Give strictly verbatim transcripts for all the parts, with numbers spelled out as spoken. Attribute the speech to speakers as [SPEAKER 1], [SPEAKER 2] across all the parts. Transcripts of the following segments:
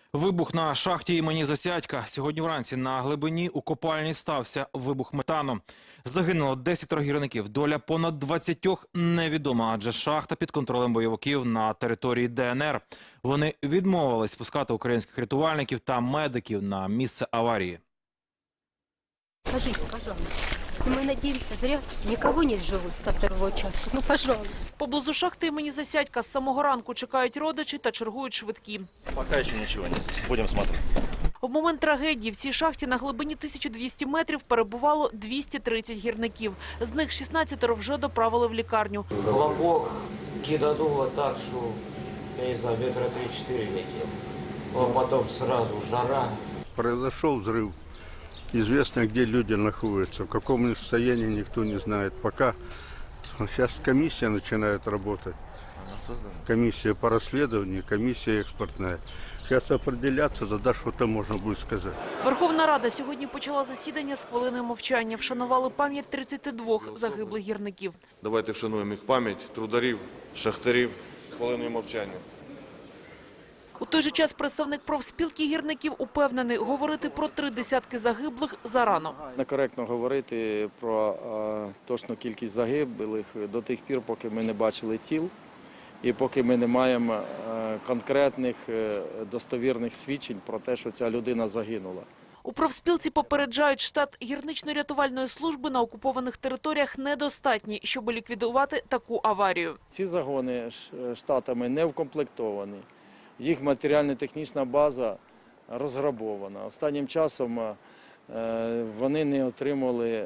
[SPEAKER 1] Вибух на шахті імені Засядька. Сьогодні вранці на глибині у копальні стався вибух метану. Загинуло десятеро гірників. Доля понад двадцятьох невідома, адже шахта під контролем бойовиків на території Де Ен Ер. Вони відмовились спускати українських рятувальників та медиків на місце аварії.
[SPEAKER 2] Скажите, пожалуйста. Мы надеемся, зря никого не живут со второго участка. Ну, пожалуйста.
[SPEAKER 3] Поблизу шахти імені Засядька з самого ранку чекають родичі та чергують швидкі.
[SPEAKER 4] Пока еще ничего нет. Будем смотреть.
[SPEAKER 3] В момент трагедії в цій шахті на глибині тисяча двісті метрів перебувало двісті тридцять гірників. З них шістнадцятеро вже доправили в лікарню.
[SPEAKER 5] Хлопок кидануло так, что, я не знаю, метра три-четыре летел. А потом сразу жара.
[SPEAKER 6] Произошел взрыв. Известно, где люди находятся, в каком состоянии никто не знает. Пока сейчас комиссия начинает работать. Комиссия по расследованию, комиссия экспортная. Сейчас определяться, за что-то можно будет сказать.
[SPEAKER 3] Верховна Рада сьогодні почала засідання з хвилиною мовчання. Вшанували пам'ять тридцяти двох загиблих гірників.
[SPEAKER 7] Давайте вшануємо їх пам'ять, трударів, шахтарів, хвилиною мовчання.
[SPEAKER 3] У той же час представник профспілки гірників упевнений, говорити про три десятки загиблих зарано.
[SPEAKER 8] Некоректно говорити про е, точну кількість загиблих до тих пір, поки ми не бачили тіл і поки ми не маємо е, конкретних е, достовірних свідчень про те, що ця людина загинула.
[SPEAKER 3] У профспілці попереджають, штат гірнично-рятувальної служби на окупованих територіях недостатній, щоб ліквідувати таку аварію.
[SPEAKER 8] Ці загони штатами не вкомплектовані. Їх матеріально-технічна база розграбована. Останнім часом вони не отримали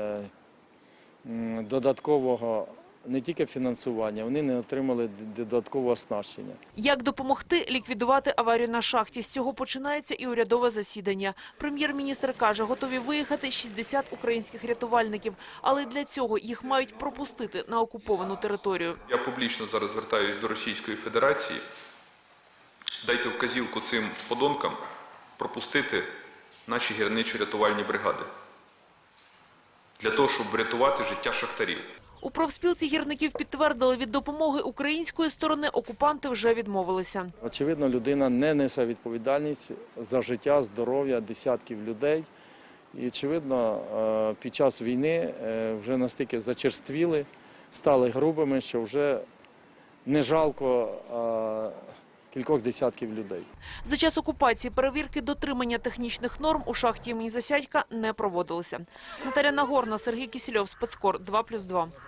[SPEAKER 8] додаткового не тільки фінансування, вони не отримали додаткового оснащення.
[SPEAKER 3] Як допомогти ліквідувати аварію на шахті? З цього починається і урядове засідання. Прем'єр-міністр каже, готові виїхати шістдесят українських рятувальників, але для цього їх мають пропустити на окуповану територію.
[SPEAKER 9] Я публічно зараз звертаюся до Російської Федерації. Дайте вказівку цим подонкам пропустити наші гірничо-рятувальні бригади для того, щоб врятувати життя шахтарів.
[SPEAKER 3] У профспілці гірників підтвердили, від допомоги української сторони окупанти вже відмовилися.
[SPEAKER 8] Очевидно, людина не несе відповідальність за життя, здоров'я десятків людей. І, очевидно, під час війни вже настільки зачерствіли, стали грубими, що вже не жалко кількох десятків людей.
[SPEAKER 3] За час окупації перевірки дотримання технічних норм у шахті імені Засядька не проводилися. Наталя Нагорна, Сергій Кісельов, Спецкор, два плюс два.